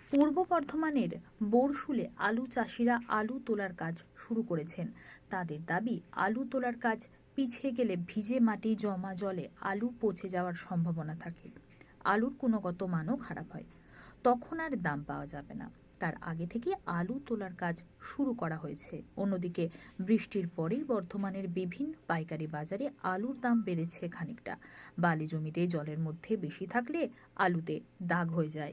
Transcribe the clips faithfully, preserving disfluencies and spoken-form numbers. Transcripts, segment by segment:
পূর্ব বর্ধমানের বোরশুলে আলু চাষিরা আলু তোলার কাজ শুরু করেছেন। তাদের দাবি, আলু তোলার কাজ পিছিয়ে গেলে ভিজে মাটি জমা জলে আলু পচে যাওয়ার সম্ভাবনা থাকে। আলুর গুণগত মানও খারাপ হয়, তখন আর দাম পাওয়া যাবে না। তার আগে থেকে আলু তোলার কাজ শুরু করা হয়েছে। অন্যদিকে বৃষ্টির পরেই বর্ধমানের বিভিন্ন পাইকারি বাজারে আলুর দাম বেড়েছে খানিকটা। বালি জমিতে জলের মধ্যে বেশি থাকলে আলুতে দাগ হয়ে যায়।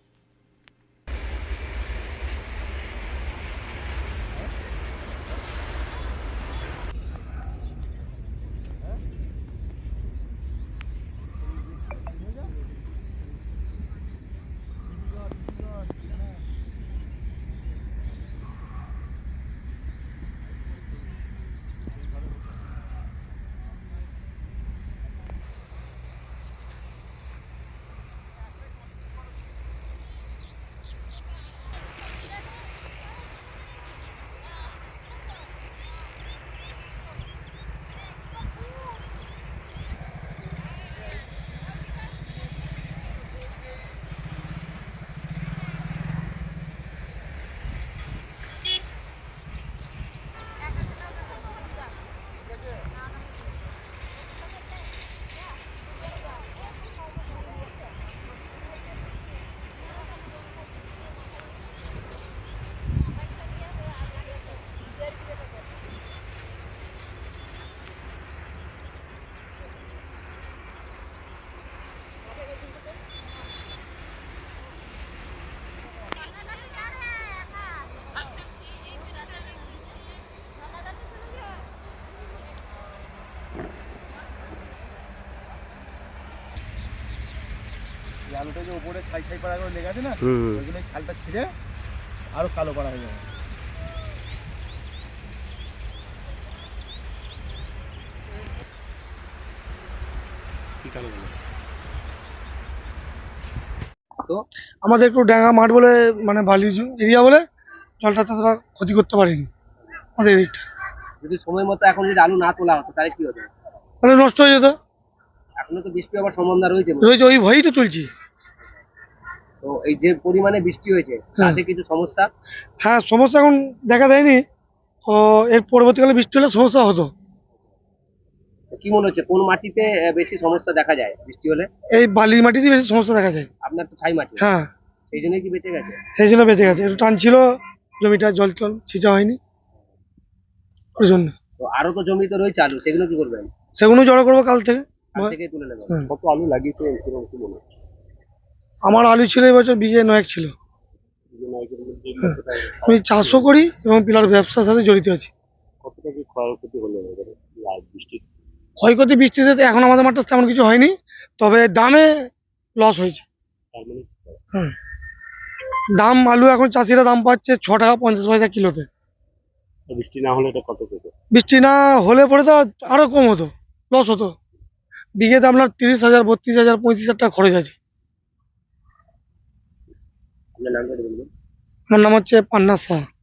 আলুটা যে উপরে ছাই ছাই পাড়া করে লেগে আছে না, ওই জন্য ছালটা ছিঁড়ে আরো কালো করা হয়ে যাবে। তো আমাদের একটু ডাঙ্গা মাঠ বলে, মানে বালি এরিয়া বলে জলটা ততটা ক্ষতি করতে পারেনি আমাদের এদিকটা। যদি সময় মতো এখন যদি আলু না তোলা হতো তাহলে কি হতো? তাহলে নষ্ট হয়ে যেত। এখনো তো বৃষ্টি হওয়ার সম্ভাবনা রয়েছে রয়েছে, ওই ভয়েই তো তুলছি। তো এই যে পরিমাণে বৃষ্টি হয়েছে তাতে কিছু সমস্যা? হ্যাঁ, সমস্যা এখন দেখা দেয়নি, তো এর পরবর্তীকালে বৃষ্টি হলে সমস্যা হতো। কি মনে হচ্ছে কোন মাটিতে বেশি সমস্যা দেখা যায় বৃষ্টি হলে? এই বালির মাটিতে বেশি সমস্যা দেখা যায়। আপনার তো ছাই মাটি। হ্যাঁ, সেই জন্যই কি বেঁচে গেছে? সেই জন্য বেঁচে গেছে। একটু টান ছিল, জমিটা জল টল ছিঁচা হয়নি ওর জন্য। তো আরো তো জমি তো রয়েছে আলু, সেগুলো কি করবেন? সেগুলো জড়ো করবো কাল থেকে। কাল থেকে তুলে নেবেন। হ্যাঁ। কত আলু লাগিয়েছে এরকম কি মনে হচ্ছে? আমার আলু ছিল এবছর বিঘে নয়েক ছিল। আমি চাষও করি এবং পিলার ব্যবসার সাথে জড়িত আছি। কতটা কি ক্ষয়ক্ষতি হলো বৃষ্টি? ক্ষয়ক্ষতি বৃষ্টিতে এখন আমাদের মাঠটা তেমন কিছু হয়নি, তবে দামে লস হয়েছে। হ্যাঁ, দাম আলু এখন চাষিরা দাম পাচ্ছে ছ টাকা পঞ্চাশ পয়সা কিলোতে। বৃষ্টি না হলে এটা কত পেত? বৃষ্টি না হলে পরে তো আরো কম হতো, লস হতো। বিঘেতে আপনার তিরিশ হাজার বত্রিশ হাজার পঁয়ত্রিশ হাজার টাকা খরচ আছে। আপনার নামটা বলবেন? আমার নাম হচ্ছে পান্না শাহ।